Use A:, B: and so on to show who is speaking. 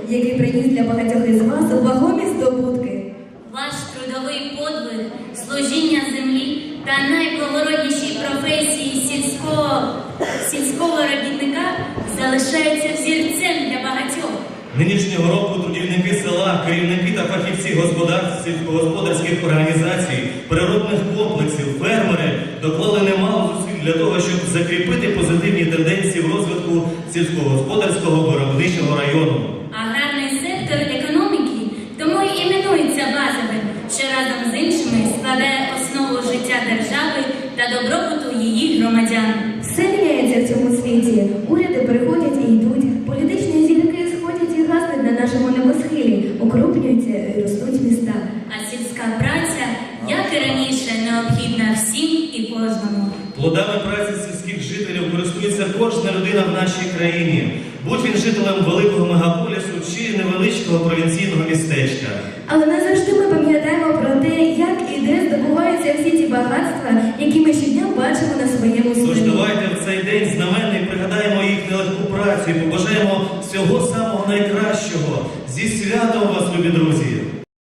A: який приніс для багатьох із вас вагомі здобутки.
B: Ваш трудовий подвиг, служіння землі та найблагороднішій професії сільського робітника залишаються взірцем для багатьох.
C: Нинішнього року трудівники села, керівники та фахівці господарств, сільськогосподарських організацій, природних комплексів, фермери доклали немало зусиль для того, щоб закріпити позитивні тенденції в розвитку сільськогосподарського виробничого району.
B: Аграрний сектор економіки тому і іменується базовим, що разом з іншими складає основу життя держави та добробуту її громадян.
A: Все міняється в цьому світі. Уряди приходять і йдуть, політичні зірки сходять і гаснуть на нашому небосхилі, укрупнюються і ростуть міста.
B: А сільська праця, як і раніше, необхідна всім і кожному.
C: Плодами праці сільських жителів користується кожна людина в нашій країні, будь він жителем великого мегаполісу чи невеличкого провінційного містечка.
A: Але не завжди ми пам'ятаємо про те, як і де здобуваються всі ті багатства, які ми щодня бачимо на своєму
C: Тож
A: селі.
C: давайте в цей день знаменний пригадаємо їх нелегку працю і побажаємо всього самого найкращого. Зі святом вас, любі друзі!